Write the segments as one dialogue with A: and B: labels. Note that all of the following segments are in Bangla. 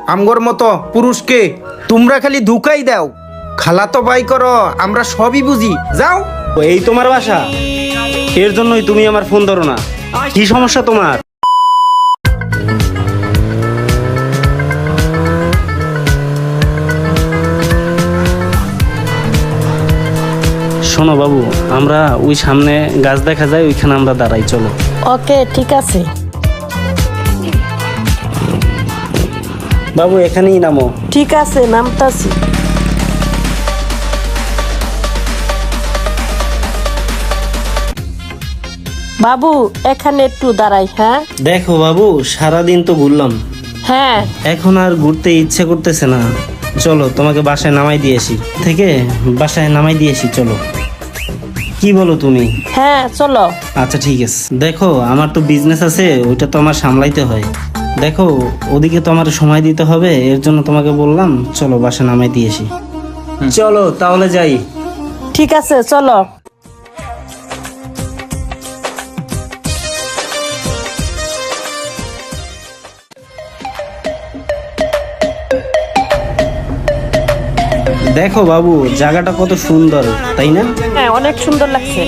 A: আমগর মতো পুরুষকে তোমরা খালি ধুকাই দাও। খালাতো ভাই করো, আমরা সবই বুঝি। যাও।
B: এই তোমার বাসা? এর জন্যই তুমি আমার ফোন ধরো না। কি সমস্যা তোমার? শোনো বাবু, আমরা ওই সামনে গাছ দেখা যায়, ওইখানে আমরা দাঁড়াই, চলো।
C: ওকে, ঠিক আছে।
B: বাবু এখানেই নামো।
C: ঠিক আছে, নামতাছি। বাবু এখানে একটু দাঁড়াই। হ্যাঁ
B: দেখো বাবু, সারাদিন তো ঘুরলাম,
C: হ্যাঁ
B: এখন আর ঘুরতে ইচ্ছে করতেছে না। চলো তোমাকে বাসায় নামাই দিয়েছি, বাসায় নামাই দিয়েছি, চলো। কি বলো তুমি?
C: হ্যাঁ চলো।
B: আচ্ছা ঠিক আছে। দেখো আমার তো বিজনেস আছে, ওইটা তো আমার সামলাইতে হয়। দেখো ওদিকে তো আমার সময় দিতে হবে, এর জন্য তোমাকে বললাম চলো বাসায় নামাই দিয়েছি। চলো তাহলে যাই।
C: ঠিক আছে চলো।
B: দেখো বাবু, জায়গাটা কত সুন্দর, তাই না?
C: হ্যাঁ অনেক সুন্দর লাগছে।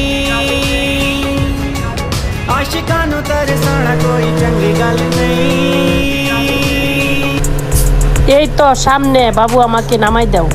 C: এই তো সামনে, বাবু আমাকে নামাই দাও।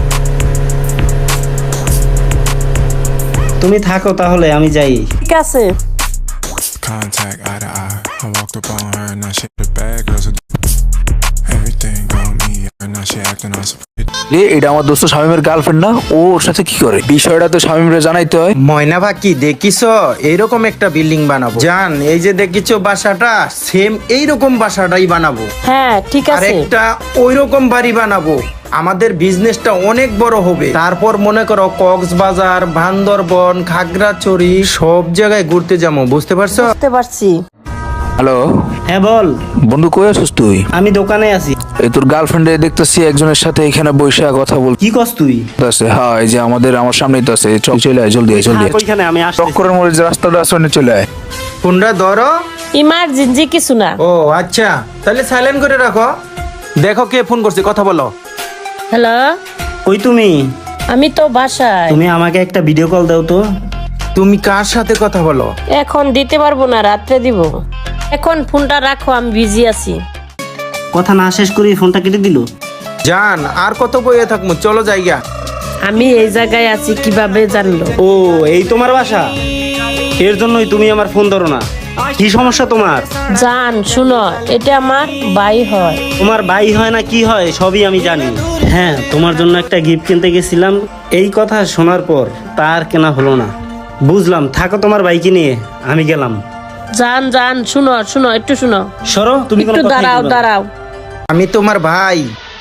B: তুমি থাকো তাহলে, আমি যাই।
C: ঠিক আছে।
D: Contact eye to eye. I walked up on her and now she the bad girls are everything on me and now she acting all surprised.
E: এটা আমার দোস্ত শামীমের গার্লফ্রেন্ড না? ওর সাথে কি করে? বিষয়টা তো শামীমরে জানাইতে হয়।
A: ময়না ভাকি দেখিছো, এইরকম একটা বিল্ডিং বানাবো। জান, এই যে দেখিছো বাসাটা, সেম এইরকম বাসাটাই বানাবো।
C: হ্যাঁ ঠিক
A: আর
C: আছে।
A: একটা ওইরকম বাড়ি বানাবো। আমাদের বিজনেসটা অনেক বড় হবে। তারপর মনে করো কক্সবাজার, বান্দরবন, খাগড়াছড়ি সব জায়গায় ঘুরতে যাবো, বুঝতে পারছো?
C: বুঝতে পারছি।
E: হ্যালো
B: হ্যাঁ বল।
E: বন্ধু, কই আছিস তুই?
B: আমি দোকানে আছি।
E: এই তোর গার্লফ্রেন্ডে দেখতেছি একজনের সাথে এখানে বসে কথা
B: কি কস তুই?
E: বলতেছে। হ্যাঁ, এই যে আমার সামনেই তো আছে। চলে আয়, জলদি আয়, জলদি আয়।
B: ওইখানে আমি আসছি।
E: টক্করের মোড়ে যে রাস্তাটা আছে ওখানে চলে আয়।
A: ফোনটা ধরো।
C: ইমার্জেন্সি কিছু না।
A: ও আচ্ছা, তাহলে সাইলেন্ট করে রাখো। দেখো কে ফোন করছে, কথা বলো।
C: হ্যালো,
B: কই তুমি?
C: আমি তো বাসায়।
B: তুমি আমাকে একটা ভিডিও কল দাও তো।
A: তুমি কার সাথে কথা বলো?
C: এখন দিতে পারবো না, রাত্রে দিব। এখন ফোনটা রাখো, আমি বিজি আছি।
B: কথা না শেষ করি ফোনটা কেটে দিল।
A: জান, আর কত বইয়ে থাকবো, চলো জায়গা।
C: আমি এই জায়গায় আছি কিভাবে জানলো?
B: ও এই তোমার বাসা? এর জন্যই তুমি আমার ফোন ধরো না। কি সমস্যা তোমার?
C: জান শুনো, এটা আমার ভাই হয়।
B: তোমার ভাই হয় না কি হয় সবই আমি জানি। হ্যাঁ, তোমার জন্য একটা গিফট কিনতে গেছিলাম, এই কথা শোনার পর তার কেনা হলো না। বুঝলাম, থাকো তোমার ভাইকে নিয়ে, আমি গেলাম।
C: জান জান শুনো শুনো, একটু শুনো।
B: সরো, তুমি কোনো
C: একটু
B: কথাই
C: দাঁড়াও
B: বলবে না।
C: দাঁড়াও।
A: আমি তোমার ভাই,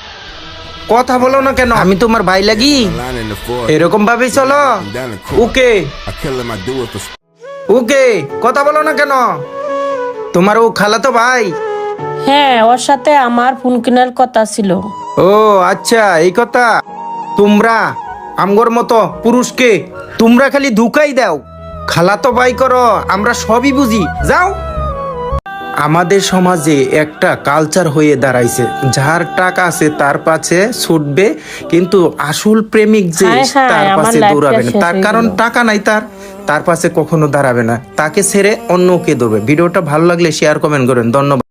A: কথা বলো না কেন? আমি তোমার ভাই লাগি?
D: Line in the floor.
A: এরকম ভাবে চলো।
D: Down the court.
A: Okay
D: I kill him, I do it for
A: ওকে, কথা বলো না কেন? তোমার ও খালাতো ভাই?
C: হ্যাঁ, ওর সাথে আমার ফোন কেনার কথা ছিল।
A: ও আচ্ছা, এই কথা। তোমরা আমগর মতো পুরুষকে তোমরা খালি ধুকাই দাও। খালাতো ভাই করো, আমরা সবই বুঝি। যাও। আমাদের সমাজে একটা কালচার হয়ে দাঁড়াইছে, যার টাকা আছে তার পাশে ছুটবে, কিন্তু আসল প্রেমিক যে
C: হায় হায়,
A: তার
C: আমার
A: পাশে
C: লাইফটা
A: দৌড়াবে না।
C: শেষ
A: তার
C: হয়ে
A: কারণ
C: গেল।
A: টাকা নাই, তার পাশে কখনো দাঁড়াবে না। তাকে ছেড়ে অন্য কে দৌড়বে। ভিডিওটা ভালো লাগলে শেয়ার কমেন্ট করেন। ধন্যবাদ।